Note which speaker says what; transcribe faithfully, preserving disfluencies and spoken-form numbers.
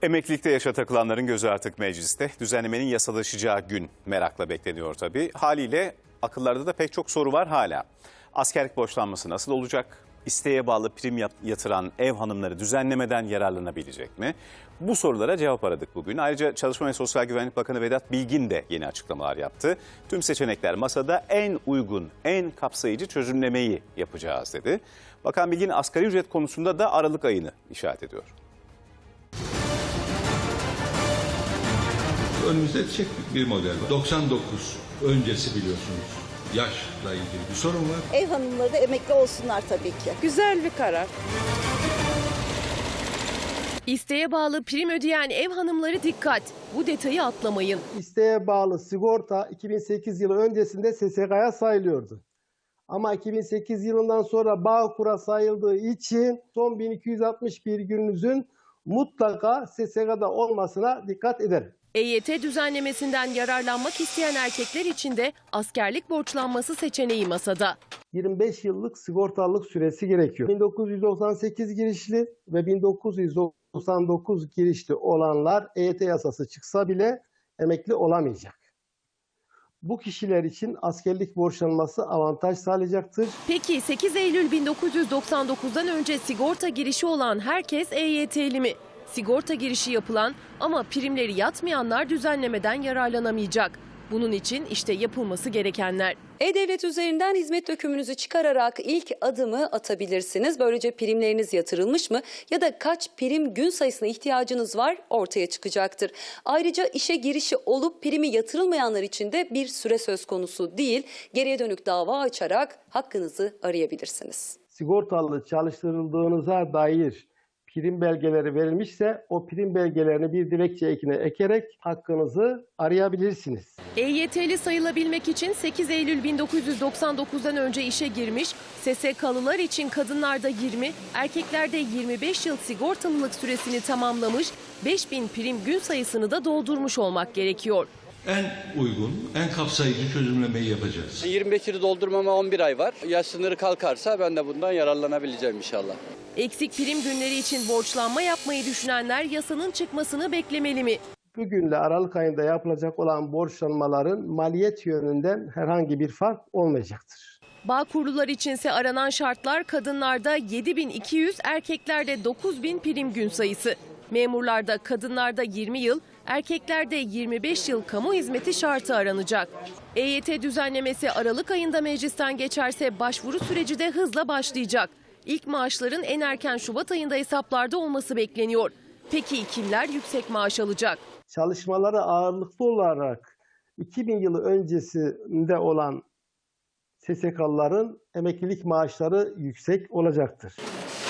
Speaker 1: Emeklilikte yaşa takılanların gözü artık mecliste. Düzenlemenin yasalaşacağı gün merakla bekleniyor tabii. Haliyle akıllarda da pek çok soru var hala. Askerlik borçlanması nasıl olacak? İsteğe bağlı prim yatıran ev hanımları düzenlemeden yararlanabilecek mi? Bu sorulara cevap aradık bugün. Ayrıca Çalışma ve Sosyal Güvenlik Bakanı Vedat Bilgin de yeni açıklamalar yaptı. Tüm seçenekler masada, en uygun, en kapsayıcı çözümlemeyi yapacağız dedi. Bakan Bilgin asgari ücret konusunda da Aralık ayını işaret ediyor.
Speaker 2: Önümüzde yetişecek bir model var. doksan dokuz öncesi biliyorsunuz. Yaşla ilgili bir sorun var.
Speaker 3: Ev hanımları da emekli olsunlar tabii ki.
Speaker 4: Güzel bir karar.
Speaker 5: İsteğe bağlı prim ödeyen ev hanımları dikkat. Bu detayı atlamayın.
Speaker 6: İsteğe bağlı sigorta iki bin sekiz yılı öncesinde S S K'ya sayılıyordu. Ama iki bin sekiz yılından sonra Bağkur'a sayıldığı için son bin iki yüz altmış bir gününüzün mutlaka S S K'da olmasına dikkat ederim.
Speaker 5: E Y T düzenlemesinden yararlanmak isteyen erkekler için de askerlik borçlanması seçeneği masada.
Speaker 6: yirmi beş yıllık sigortalılık süresi gerekiyor. bin dokuz yüz doksan sekiz girişli ve bin dokuz yüz doksan dokuz girişli olanlar E Y T yasası çıksa bile emekli olamayacak. Bu kişiler için askerlik borçlanması avantaj sağlayacaktır.
Speaker 5: Peki sekiz Eylül bin dokuz yüz doksan dokuz'dan önce sigorta girişi olan herkes E Y T'li mi? Sigorta girişi yapılan ama primleri yatmayanlar düzenlemeden yararlanamayacak. Bunun için işte yapılması gerekenler.
Speaker 7: E-Devlet üzerinden hizmet dökümünüzü çıkararak ilk adımı atabilirsiniz. Böylece primleriniz yatırılmış mı ya da kaç prim gün sayısına ihtiyacınız var ortaya çıkacaktır. Ayrıca işe girişi olup primi yatırılmayanlar için de bir süre söz konusu değil. Geriye dönük dava açarak hakkınızı arayabilirsiniz.
Speaker 6: Sigortalı çalıştırıldığınıza dair prim belgeleri verilmişse o prim belgelerini bir dilekçe ekine ekerek hakkınızı arayabilirsiniz.
Speaker 5: E Y T'li sayılabilmek için sekiz Eylül bin dokuz yüz doksan dokuz'dan önce işe girmiş, S S K'lılar için kadınlarda yirmi, erkeklerde yirmi beş yıl sigortalılık süresini tamamlamış, beş bin prim gün sayısını da doldurmuş olmak gerekiyor.
Speaker 2: En uygun, en kapsayıcı çözümlemeyi yapacağız.
Speaker 8: yirmi beş yılı doldurmama on bir ay var. Yaş sınırı kalkarsa ben de bundan yararlanabileceğim inşallah.
Speaker 5: Eksik prim günleri için borçlanma yapmayı düşünenler yasanın çıkmasını beklemeli mi?
Speaker 6: Bugünle Aralık ayında yapılacak olan borçlanmaların maliyet yönünden herhangi bir fark olmayacaktır.
Speaker 5: Bağkurlular içinse aranan şartlar kadınlarda yedi bin iki yüz, erkeklerde dokuz bin prim gün sayısı. Memurlarda kadınlarda yirmi yıl, erkeklerde yirmi beş yıl kamu hizmeti şartı aranacak. E Y T düzenlemesi Aralık ayında meclisten geçerse başvuru süreci de hızla başlayacak. İlk maaşların en erken Şubat ayında hesaplarda olması bekleniyor. Peki kimler yüksek maaş alacak?
Speaker 6: Çalışmaları ağırlıklı olarak iki bin yılı öncesinde olan S S K'lıların emeklilik maaşları yüksek olacaktır.